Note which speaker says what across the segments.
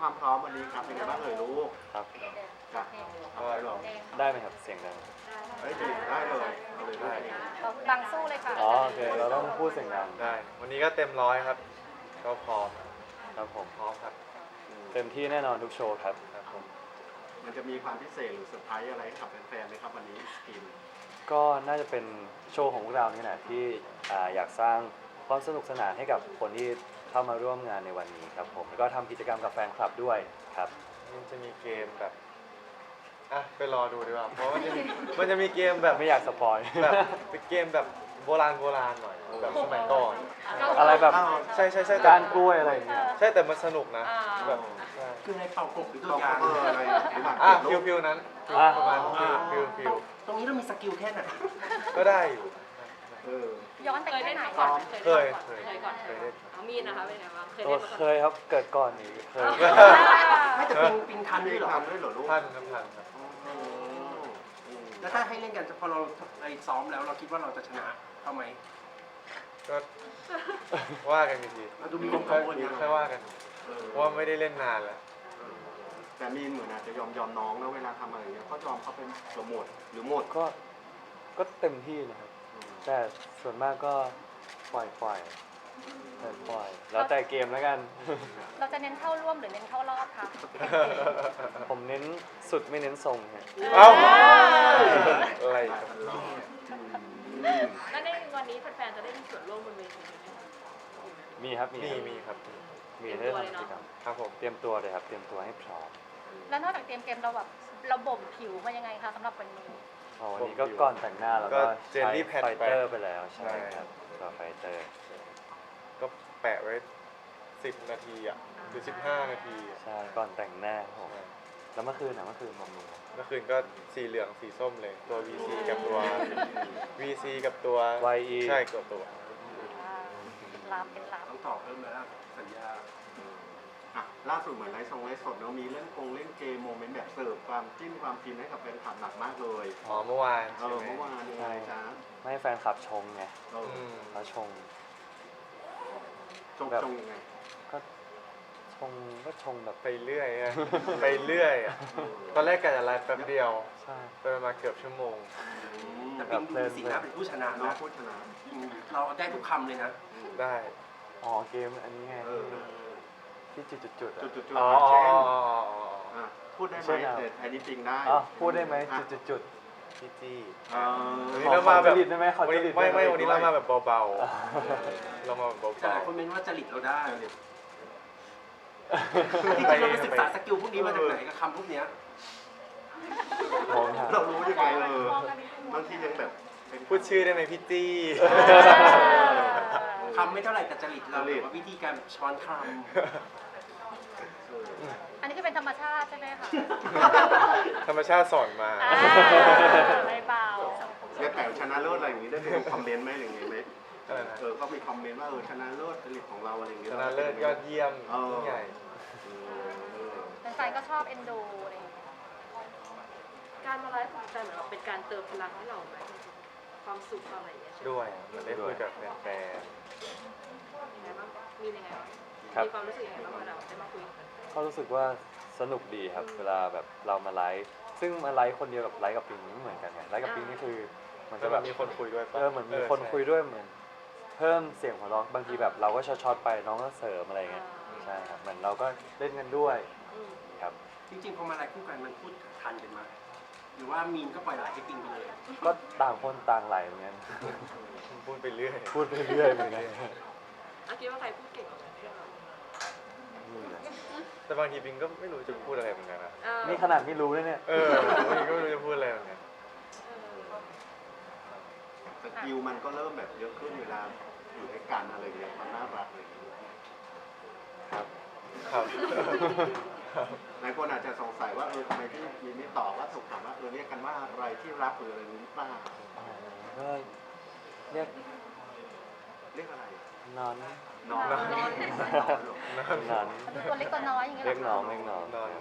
Speaker 1: ความพร้อมวันนี้ครับเป็นไงบ้างเอ่ยลูก
Speaker 2: ครับ
Speaker 1: ครับก็หรอ
Speaker 2: ได้ไหมครับเสียงดัง
Speaker 1: เฮ้ยได้เลยเอาเลยได้
Speaker 3: ดังสู้เลยค่ะ
Speaker 2: อ๋อโอเคเราต้องพูดเสียงดัง
Speaker 4: ได้วันนี้ก็เต็มร้อยครับก็พร้อม
Speaker 2: ครับผม
Speaker 4: พร้อมครับ
Speaker 2: เต็มที่แน่นอนทุกโชว์ครับ
Speaker 4: ครับผม
Speaker 1: มันจะมีความพิเศษหรือเซอร์ไพรส์อะไรให้กับแฟนๆไหมครับวันนี้สกิน
Speaker 2: ก็น่าจะเป็นโชว์ของพวกเรานี่แหละที่อยากสร้างความสนุกสนานให้กับคนที่เข้ามาร่วมงานในวันนี้ครับผมแล้วก็ทำกิจกรรมกับแฟนคลับด้วยครับ
Speaker 4: มันจะมีเกมแบบไปรอดูดีกว่าเพราะมันจะมีเกมแบบ
Speaker 2: ไม่อยากสปอย
Speaker 4: แบบเป็นเกมแบบโบราณหน่อยแบบสมัยก่อน
Speaker 2: อะไรแบบ
Speaker 4: ใช่แต่
Speaker 2: การกล้วยอะไรอย่างเงี้ย
Speaker 4: ใช่แต่มันสนุกนะแบบใช่
Speaker 5: คือในเป่ากบหรือตั
Speaker 1: ต้
Speaker 5: ว
Speaker 1: อง
Speaker 5: อย่าง
Speaker 1: อะไรหรือหมาก
Speaker 4: ฟิวนั้น
Speaker 2: อ่ะ
Speaker 4: ประมาณฟิว
Speaker 5: ตรงนี้เรามีสกิลแค่ไหน
Speaker 4: ก็ได้อยู่
Speaker 3: ย้อนไปแค่ไหน
Speaker 6: ก่อน
Speaker 4: เคย
Speaker 6: ก่อน
Speaker 4: เคยเล่น
Speaker 6: เอามีดนะคะเป็นไงบ้างเคย
Speaker 2: ตัว
Speaker 6: เล่นมา
Speaker 2: เค
Speaker 6: ก่อน
Speaker 2: ยครับเกิดก่อนนี่เคย
Speaker 5: ไม่แต่ปิงทันด้วยเหรอ
Speaker 1: ทำด้วยเหรอลูก
Speaker 4: ท่านครับ
Speaker 5: แล้วถ้าให้เล่นกันพอเราไปซ้อมแล้วเราคิดว่าเราจะชนะเขาไหม
Speaker 4: ก็ว่ากันอีกที
Speaker 5: เราดูมีความกังวลนะ
Speaker 4: ค่อยว่ากันเพราะว่าไม่ได้เล่นนานแล้ว
Speaker 1: แต่มีนเหมือนอาจจะยอมน้องนะเวลาทำอะไรอย่างเงี้ยก็ยอมเขาเป็นหมดหรือหมด
Speaker 2: ก็เต็มที่นะครับ แต่ส่วนมากก็ปล่อยแล้วแต่เกมแล้วกัน
Speaker 3: เราจะเน้นเข้าร่วมหรือเน้นเข้ารอบคะ
Speaker 2: ผมเน้นสุดไม่เน้นทรงฮะ
Speaker 4: เอ้าอะไรครับ
Speaker 6: แล้วในวันนี้แฟนๆจะได้มีส่วนร่วมบนเวทีไหมคะ
Speaker 2: มีครับ
Speaker 4: มีครับ
Speaker 2: มีให้ทำกิจกรรม
Speaker 4: ครับผม
Speaker 2: เตรียมตัวเลยครับเตรียมตัวให้พร้อม
Speaker 3: แล้วนอกจากเตรียมเกมเราแบบเราบ่มผิวมายังไงคะสำหรับวันนี้
Speaker 2: อ๋อวันนี้ก็ก่อนแต่งหน้าแล้วก็
Speaker 4: เจล
Speaker 2: ใช้
Speaker 4: ลี่แพด
Speaker 2: ไฟเตอร์ไปแล้วใช่
Speaker 4: ใช่
Speaker 2: ครับตัวไฟเตอร์
Speaker 4: ก็แปะไว้10 นาทีหรือ15 นาที
Speaker 2: ใช่ก่อนแต่งหน้าครับผมแล้วเมื่อคืนบำรุง
Speaker 4: เมื่อคืนก็สีเหลืองสีส้มเลยตัว VC กับตัว VC กับตัว
Speaker 2: YE
Speaker 4: ใช่กับตัว
Speaker 3: ลามเป็นลาม
Speaker 5: ต้องต่อเพิ่มแล้วสัญญา
Speaker 1: ล่าสุดเหมือนไลฟ์สดเนาะมีเล่นเกมโมเมนต์แบบเสิร์ฟความจิ้นความฟินให้กับแฟนคลับหนักมากเลย
Speaker 4: อ๋อเมื่อวานใช่ไหม
Speaker 1: เมื่อวานยังไงจ๊ะ
Speaker 2: ไม่ให้แฟนคลับชงไง
Speaker 4: อืม
Speaker 2: แล้วชง
Speaker 1: จงยังไง
Speaker 2: ก็ชงแบบ
Speaker 4: ไปเรื่อยอะไปเรื่อยอะตอนแรกกะจะไลฟ์แป๊บเดียว
Speaker 2: ใช่
Speaker 4: ไปมาเกือบชั่วโมง
Speaker 5: แต่ปิงดูสีหน้าเป็นผู้ชนะ
Speaker 1: น้อง
Speaker 5: นะ
Speaker 1: พูดชนะ
Speaker 5: เราได้ทุกคำเลยนะ
Speaker 4: ได้
Speaker 2: อ๋อเกมอันนี้ไงที่จุดๆอะ
Speaker 1: จุด
Speaker 4: อ๋อ
Speaker 1: เช่น
Speaker 4: อ๋อ
Speaker 1: พูดได้ไหมแต่อันนี้จริงได้
Speaker 2: อ๋อพูดได้ไหมจุด
Speaker 4: พี่จี้
Speaker 1: เอ
Speaker 4: วัน
Speaker 2: ๆ
Speaker 4: นี้เรามาแบบ
Speaker 2: ขอจริตได้ไหมขอจริต
Speaker 4: ไม่วันนี้เรามาแบบเบาๆเรามาแบบ
Speaker 5: แต่ห
Speaker 4: เบา
Speaker 5: ลายคนเมนว่าจริตเราได้
Speaker 4: ๆ
Speaker 5: ที่จริงเราไปศึกษาสกิลพวกนี้มาจากไหนกับคำพวกเนี้ย
Speaker 2: มองหา
Speaker 1: เรารู้ยังไงบางทียังแบบ
Speaker 4: พูดชื่อได้ไหมพี่จี้
Speaker 5: คำไม่เท่าไหร่แต่จริตเราหรือว่าวิธีการช้อนค
Speaker 3: อันนี้คือเป็นธรรมชาติใช่ไหมคะ
Speaker 4: ธรรมชาติสอนมา
Speaker 3: ไม่เบา
Speaker 1: เนี่ยแต่ชนะเลิศอะไรอย่างนี้ได้เป็นคอมเมนต์ไหมหรือไงไหม
Speaker 4: อะไรนะ
Speaker 1: ก็มีคอมเมนต์ว่าชนะเลิศจริตของเราอะไรอย่างเงี้
Speaker 4: ช
Speaker 1: ย
Speaker 4: นะเลิศยอดเยี่ยมยิ่งใหญ่
Speaker 3: แฟนๆก็ชอบเอ็นดูอะไรอย่างเงี้ย
Speaker 6: การมาไลฟ์ของแฟนเหมือนแบบเป็นการเติมพลังให้เราไหมความสุขความอะไรอย่างเงี้ยใช่ไหม
Speaker 4: ด้วยเหมือนได้คุยกับแฟน
Speaker 6: ยังไงบ้างมียังไงบ้าง
Speaker 2: ครับ
Speaker 6: มีความรู้สึกยังไงบ้างเวลาได้มาคุยกัน
Speaker 2: ก็รู้สึกว่าสนุกดีครับ เวลาแบบเรามาไลฟ์ซึ่งมาไลฟ์คนเดียวกับไลฟ์กับปิงไม่เหมือนกันไงไลฟ์กับปิงนี่คือมัน
Speaker 4: ๆ
Speaker 2: จะ
Speaker 4: จะ
Speaker 2: แบ
Speaker 4: แบบ บมีคนคุยด้วยปะ
Speaker 2: เหมือนมีคนคุยด้วยเหมือนเพิ่มเสียงหัวเราะบางทีแบบเราก็ช็อตๆไปน้องก็เสริมอะไรเงี้ยใช่ครับเหมือนเราก็เล่นกันด้วยครับ
Speaker 5: ำจริงๆพอมาอะไรคู่กันมันพูดทันกันมาหรือว่ามีนก็ปล่อยไหลให้ปิงไปเลย
Speaker 2: ก็ต่างคนต่างไหลเหมือนกัน
Speaker 4: พูดไปเรื่อย
Speaker 2: พูดไปเรื่อยเหมือนกัน
Speaker 6: อาคิดว่าใครพูดเก่งกว่ากันเรื่องเรา
Speaker 4: แต่บางทีปิงก็ไม่รู้จะพูดอะไรเหมือนกันนะ
Speaker 2: นี่ขนาดไม่รู้เลยเนี่ย
Speaker 4: บางทีก็ไม่รู้จะพูดอะไรเหมือนกัน
Speaker 1: สกิลมันก็เริ่มแบบเยอะขึ้นเวลาอยู่ด้วยกันอะไรอย่างเงี้ยความน่ารักอะไรอย่างเงี้ย
Speaker 4: ครับครับ
Speaker 1: หลายคนอาจจะสงสัยว่าทำไมที่มีไม่ตอบว่าถูกถามว่าเรียกกันว่าอะไรที่รักหรืออะไรนี้ป้า
Speaker 2: ก็เรียก
Speaker 1: เรียกอะไร
Speaker 2: นอน
Speaker 1: นอน
Speaker 2: นอน
Speaker 3: ตัวเล็กตัวน้อยอย่างเงี้ย
Speaker 2: เรียก
Speaker 3: หร
Speaker 2: น้
Speaker 3: อ
Speaker 2: อง
Speaker 3: คะ
Speaker 2: เรียกน้อง
Speaker 4: นอน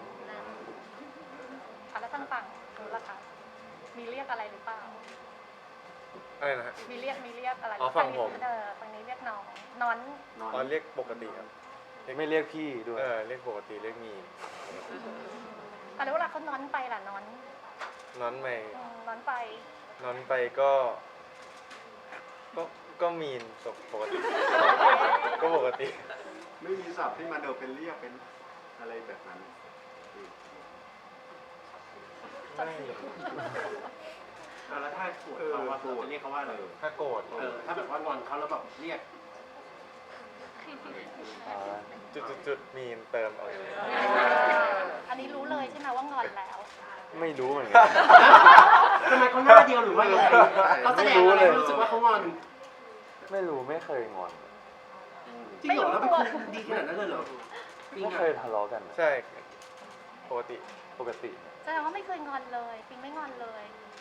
Speaker 3: แล้วทางฝั่งนู้นล่ะคะมีเรียกอะไรหรือเปล่า
Speaker 4: อะไรนะฮะ
Speaker 3: มีเรียกอะไร
Speaker 4: อ๋อฝั่งผม
Speaker 3: ฝั่งนี้เรียกน้องนอน
Speaker 1: นอน
Speaker 4: ตอนเรียกปกติครับ
Speaker 3: น
Speaker 2: ไม่เรียกพี่ด้วย
Speaker 4: เรียกปกติเรียกมีน
Speaker 3: แต่แล้วเวลาเขานอนไปล่ะนอน
Speaker 4: นอนใหม่
Speaker 3: นอนไป
Speaker 4: นอนไปก็มีนปกติ ก็ปกติ
Speaker 1: ไม่มีศัพท์ที่มาเดินเป็นเรียกเป็นอะไรแบบนั้น
Speaker 4: ไม่
Speaker 5: แล้วถ้าโกรธเขาว่าเราจะเรียกเขาว่าอะไร
Speaker 4: ถ้าโกรธ
Speaker 5: ถ้าแบบว่างอนเขาแล้วแบบเรียก
Speaker 2: อ่า
Speaker 4: จุดมีนเติมเอาอย่างนี้
Speaker 3: อันนี้รู้เลยใช่ไหมว่างอนแล้ว
Speaker 2: ไม่รู้เหมือนกัน
Speaker 5: ทำไมเขาหน้าเดียวหรือว่ายังไงเขาแสดงอะไรรู้สึกว่าเขางอน
Speaker 2: ไม่รู้ไม่เคยงอน
Speaker 5: จริงเหรอแล้วเป็นคนดีขนาดนั้นเลยเหรอจริง
Speaker 2: ไม่
Speaker 5: อ่ะ
Speaker 2: เคยทะเลาะกันนะ
Speaker 4: ใช่ปกติ
Speaker 2: ปกติ
Speaker 3: แสดงว่าไม่เคยงอนเลยปิงไม่งอนเลย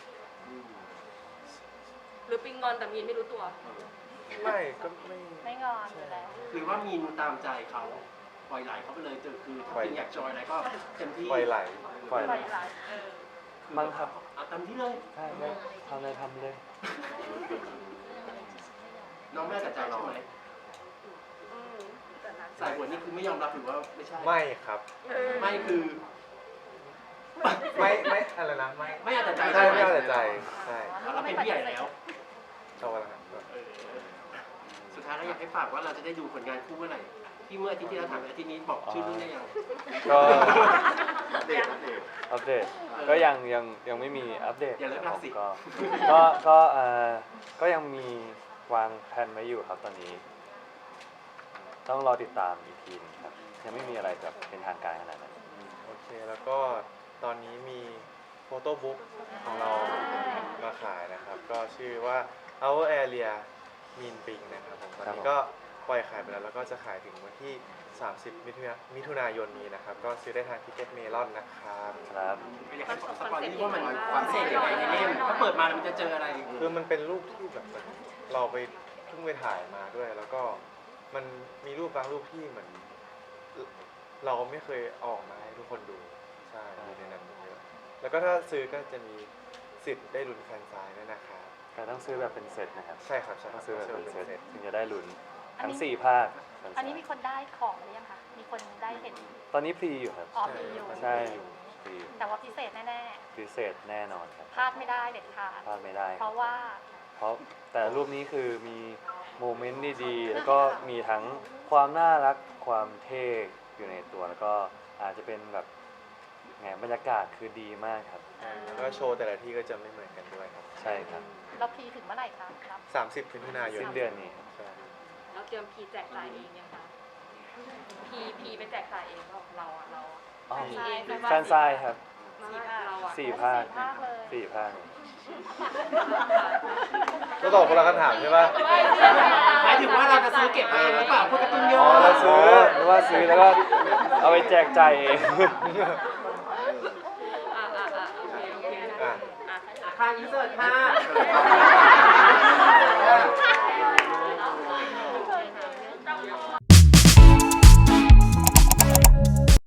Speaker 6: หรือปิงงอนแต่มีนไม่รู้ตัว
Speaker 4: ไม่ก็ไม่
Speaker 3: ไม่งอนอยู่แล้ว
Speaker 5: หรือว่ามีนตามใจเขาปล่อยไหลเขาไปเลยคือถ้าจริงอยากจอยอะไรก็เต็มที่
Speaker 4: ปล่อยไหล
Speaker 2: ปล่อย
Speaker 3: ปล่อยไหล
Speaker 2: มั้งครับ
Speaker 5: เอาเต็มที่เลย
Speaker 2: ใช่ได้ทำอะไรทำเลย
Speaker 5: น้องแม่แต่ใจใช่ไหมสายหัวนี่คือไม่ยอมรับหรือว่าไม่ใช่
Speaker 4: ไม่ครับ
Speaker 5: ไม่คือ
Speaker 4: ไม่อะไรนะไม่
Speaker 5: ไม่เอาแต่ใจ
Speaker 4: ใช่ไม่เอาแต่ใจใช่
Speaker 5: เราเป็นผู้ใหญ่แล้ว
Speaker 4: ชอบอะไรครับ
Speaker 5: สุดท้ายแล้วอยากให้ฝากว่าเราจะได้ดูผลงานคู่เมื่อไหร่ที่เมื่ออาทิตย์ที่เราถามอาทิตย์นี้บอกชื่อรุ่นได้ยัง
Speaker 2: ก็
Speaker 1: อัปเดตอัปเดต
Speaker 2: อัปเดตก็ยังไม่มีอัปเดต
Speaker 5: อย่าเลิก
Speaker 2: ค
Speaker 5: รั
Speaker 2: รั
Speaker 5: ก
Speaker 2: บผ
Speaker 5: สิ
Speaker 2: มก็ยังมีวางแผนไว้อยู่ครับตอนนี้ ต้องรอติดตามอีกทีนึงครับยังไม่มีอะไรแบบเป็นทางการขนาดนั้น
Speaker 4: โอเคแล้วก็ตอนนี้มีโฟโต้บุ๊กของเรามาขายนะครับ ก็ชื่อว่า Our Area Mean Ping นะครับผมตอนนี้ก็ปล่อยขายไปแล้วแล้วก็จะขายถึงวันที่ 30 มิถุนายนนี้นะครับ ก็ซื้อได้ทางทิเก็ตเมลอนนะครับ
Speaker 2: ครับ
Speaker 5: อยากให้สปอนนี่ว่ามันพิเศษยังไงในเล่มถ้าเปิดมามันจะเจออะไร
Speaker 4: คือมันเป็นรูปที่แบบเหมือนเราไปเพิ่งไปถ่ายมาด้วย แล้วก็มันมีรูปบางรูปที่เหมือน เราไม่เคยออกมาให้ทุกคนดูใช่มีในนั้นเยอะแล้วก็ถ้าซื้อก็จะมีสิทธิ์ได้ลุ้นแฟนซายด้วยนะครับ
Speaker 2: แต่ต้องซื้อแบบเป็นเซตนะครับ
Speaker 4: ใช่ครับใช่ค
Speaker 2: ต้
Speaker 4: รั
Speaker 2: อบ งซื้อแบบเป็นเซต
Speaker 4: ซ็ต
Speaker 2: ถึงจะได้ลุ้น
Speaker 3: อัน
Speaker 2: ทั้ง
Speaker 3: นี้
Speaker 2: 4 ภาค
Speaker 3: อันนี้มีคนได้ของหรือยังคะ มีคนได้เห็น
Speaker 2: ตอนนี้พรีอยู่ครับ
Speaker 3: ออกมีอยู่
Speaker 2: ใช่พรีอยู่
Speaker 3: แต่ว่าพิเศษแน่
Speaker 2: พิเศษแน่นอนครับ
Speaker 3: ๆพลาดไม่ได้เด็ดขาด
Speaker 2: พลาดไม่ได้
Speaker 3: เพราะว่า
Speaker 2: เพราะแต่รูปนี้คือมีโมเมนต์ดีๆ แล้วก็มีทั้งความน่ารักความเท่อยู่ในตัว แล้วก็อาจจะเป็นแบบไงบรรยากาศคือดีมากครับ
Speaker 4: แล้วก็โชว์แต่ละที่ก็จะไม่เหมือนกันด้วยครับ
Speaker 2: ใช่ครับ
Speaker 3: เราพรีถึงเมื่อไหร่คะครับ
Speaker 4: 30 มิถุนายน
Speaker 2: สิ้นเดือนนี้ครับ
Speaker 4: ใช่
Speaker 6: แล้วเตรียมพีแจกจ่ายเองยังคะพีไปแจกจ่ายเองเปล่าเราอะ
Speaker 2: อ๋อ
Speaker 6: พีเองหรือว่า
Speaker 2: แฟนซายครับ
Speaker 6: เราอะ
Speaker 2: 4 ภาค
Speaker 3: 4 ภาคเลย
Speaker 2: 4 ภาค
Speaker 4: ก็ตอบคนละคำถามใช่ปะ
Speaker 5: หมายถึงว่าเราจะซื้อเก็บเองหรือเปล่าพวกการ์ตูนย่
Speaker 2: อ๋
Speaker 5: อ
Speaker 2: อเราซื้อหรือว่าซื้อแล้วก็เอาไปแจกจ่ายเอง
Speaker 6: โอเค
Speaker 4: อ่ะ
Speaker 6: อ่ะ
Speaker 5: ค่าอินเสิร์ตค่ะ